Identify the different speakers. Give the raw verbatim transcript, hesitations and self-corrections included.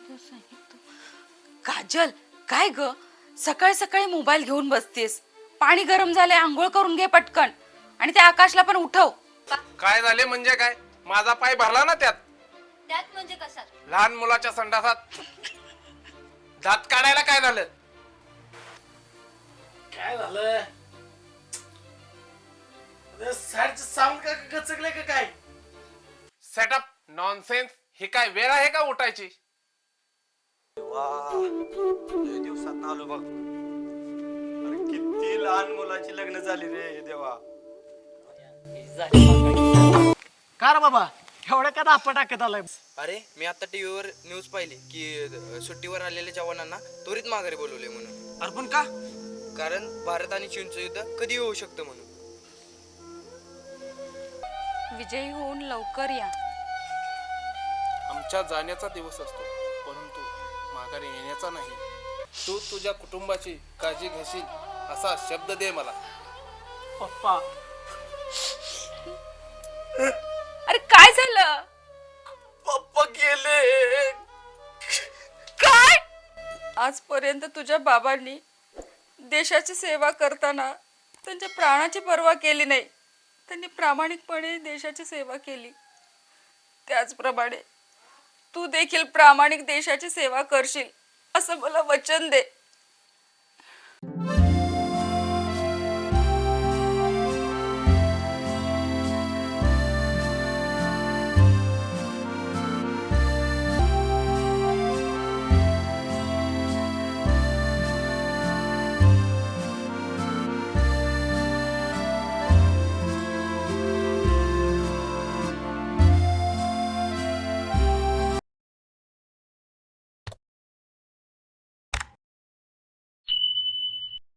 Speaker 1: काजल, काय ग सकाळी सकाळी मोबाईल घेऊन बसतेस? पाणी गरम झालंय, आंघोळ करून घे पटकन आणि त्या आकाशला पण उठव.
Speaker 2: काय झाले म्हणजे काय? माझा पाय भरला ना त्यात.
Speaker 3: त्यात म्हणजे कसा?
Speaker 2: लहान मुलाच्या संडासात दात काढायला काय झालं?
Speaker 4: काय झालं? साईडचं साऊंड का गचकलंय का काय?
Speaker 2: Setup nonsense. ही काय वेळ आहे का उठायची?
Speaker 5: लय दिवसात आलो बघ. अरे किती लहान मुलाची लग्न झाली रे देवा.
Speaker 4: का रे बाबा एवढं का दापा टाकत आलाय?
Speaker 6: अरे मी आता टीव्हीवर न्यूज पाहिली की अ, सुट्टीवर आलेल्या जवानांना त्वरित माघारी बोलवले म्हणून.
Speaker 5: अरे पण का?
Speaker 6: कारण भारत आणि चीनचं युद्ध कधी होऊ शकतं म्हणून.
Speaker 1: विजयी होऊन लवकर या.
Speaker 2: आमच्या जाण्याचा दिवस असतो, परंतु माघारी येण्याचा नाही. तू तुझ्या कुटुंबाची काळजी घेशील असा शब्द दे मला.
Speaker 4: पप्पा
Speaker 1: अरे काय झालं?
Speaker 5: पप्पा गेले.
Speaker 1: काय? आजपर्यंत तुझ्या बाबांनी देशाची सेवा करताना त्यांच्या प्राणाची पर्वा केली नाही. त्यांनी प्रामाणिकपणे देशाची सेवा केली. त्याचप्रमाणे तू देखील प्रामाणिक देशाची सेवा करशील असं मला वचन दे.